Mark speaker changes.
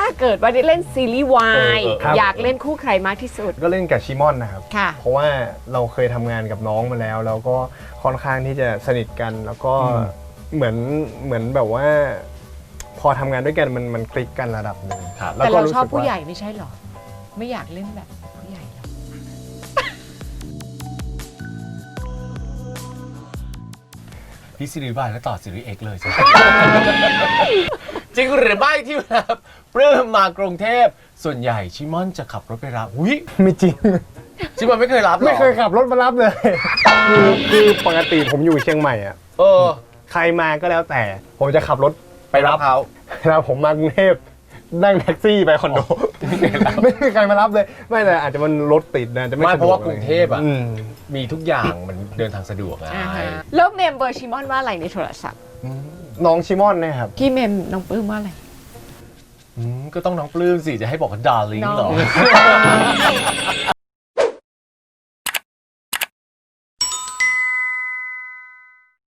Speaker 1: เกิดว่าได้เล่นซีรีส์วาย
Speaker 2: ครับ
Speaker 1: อยากเล่นคู่ใครมากที่สุด
Speaker 2: ก็เล่นกับชิมอนนะครับ
Speaker 1: ค่ะ
Speaker 2: เพราะว่าเราเคยทำงานกับน้องมาแล้ว แล้วก็ค่อนข้างที่จะสนิทกัน แล้วก็เหมือนแบบว่า พอทำงานด้วยกันมันคลิกกันระดับหนึ่ง
Speaker 3: ครับ
Speaker 2: แล้ว
Speaker 1: แต่
Speaker 2: ก็
Speaker 1: เรา
Speaker 2: รู้
Speaker 1: ชอบ
Speaker 2: สึก
Speaker 1: ผู้
Speaker 2: ว่า
Speaker 1: ใหญ่ไม่ใช่หรอ ไม่อยากเล่นแบบผู้ใหญ่หรอ
Speaker 3: พี่ซีรีส์วายแล้วต่อซีรีส์เอ็กเลยใช่ไหม จริงหรือไม่ที่แบบปลื้มมากรุงเทพส่วนใหญ่ชิมอนจะขับรถไปรับอุ้ย
Speaker 2: ไม่จริง
Speaker 3: ชิมอนไม่เคยรับหรอ
Speaker 2: ไม่เคยขับรถมารับเลย คือปกติผมอยู่เชียงใหม่อ่ะ
Speaker 3: เออ
Speaker 2: ใครมาก็แล้วแต่ ผมจะขับรถ
Speaker 3: ไปรับเขา
Speaker 2: แล้วผมมากรุงเทพนั่งแท็กซี่ไปคอนโด ไม่มีใครมารับเลย ไม่แต่อาจจะมันรถติดนะจะไม่
Speaker 3: ไม่
Speaker 2: สะดวก
Speaker 3: เพราะว่ากรุงเทพอ่ะ
Speaker 2: อืม
Speaker 3: มีทุกอย่างมันเดินทางสะดวกไง
Speaker 1: แล้วเมมเบอร์ชิมอนว่าอะไรในโทรศัพท์
Speaker 2: น้องชิมอนเนะครับ
Speaker 1: พี่เมมน้องปลื้มว่าอะไร
Speaker 3: ก็ต้องน้องปลื้มสิ จะให้บอกว่าดาร์ลิง
Speaker 1: น้อง
Speaker 3: เหรอ